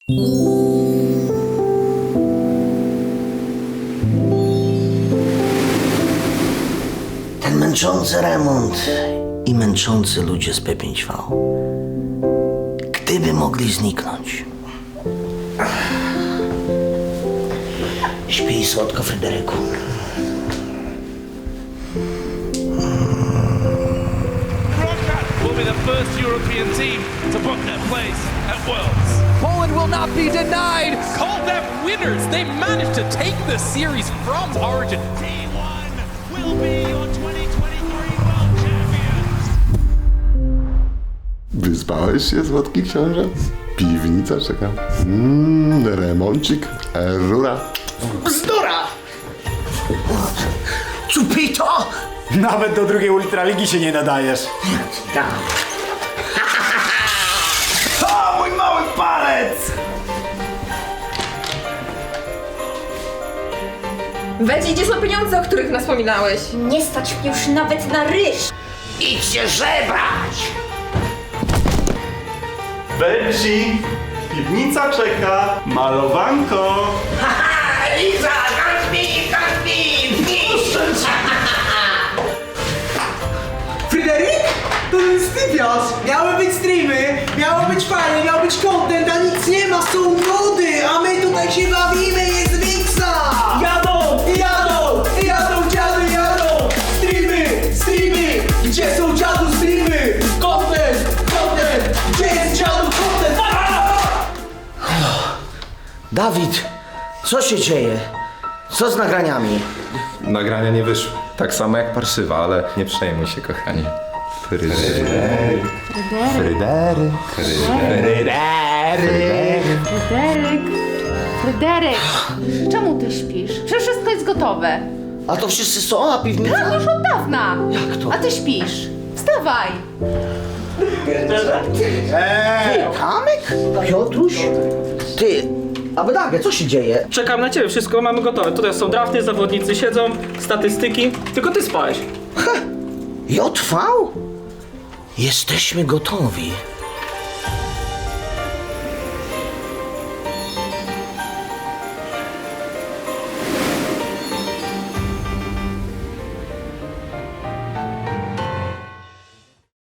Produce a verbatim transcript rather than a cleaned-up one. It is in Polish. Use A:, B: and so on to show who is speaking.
A: Ten męczący remont i męczący ludzie z P pięć V. Gdyby mogli zniknąć. Śpij słodko, Fryderyku.
B: Will be the first European team to book their place at Worlds.
C: Poland will not be denied.
B: Call them winners. They managed to take the series from Origin.
D: T one will be your twenty twenty-three world champions.
E: Wyspałeś się, słodki książę? Piwnica czeka. Mmm, remoncik, rura.
A: Bzdura! Czupito!
F: Nawet do drugiej Ultraligi się nie nadajesz.
A: Tak.
F: O, mój mały palec!
G: Weź, gdzie są pieniądze, o których nas wspominałeś?
H: Nie stać mnie już nawet na ryż.
A: Idźcie żebrać!
I: Benji, piwnica czeka, malowanko.
A: Haha, Liza, Gatsby, Gatsby!
J: Fryderyk? To ten stypiarz! Miały być streamy, miało być fajnie, miał być content, a nic nie ma, są nudy, a my tutaj się bawimy, jest wiksa! Jadą, jadą, jadą dziady, jadą! Streamy, streamy, gdzie są dziadu streamy? Content, content, gdzie jest dziadu content?
A: Dawid, co się dzieje? Co z nagraniami?
K: Nagrania nie wyszły. Tak samo jak parszywa, ale nie przejmuj się, kochanie. Fryderyk. Fryderyk. Fryderyk.
H: Fryderyk, Fryderyk, czemu ty śpisz? Przecież wszystko jest gotowe.
A: A to wszyscy są, a piwnica?
H: Tak, już od dawna.
A: Jak to?
H: A ty śpisz. Wstawaj.
A: Ty, Kamek? Piotruś? Ty, a Bedagę, co się dzieje?
L: Czekam na ciebie, wszystko mamy gotowe. Tutaj są drafty, zawodnicy siedzą, statystyki. Tylko ty spałeś.
A: J V? Jesteśmy gotowi.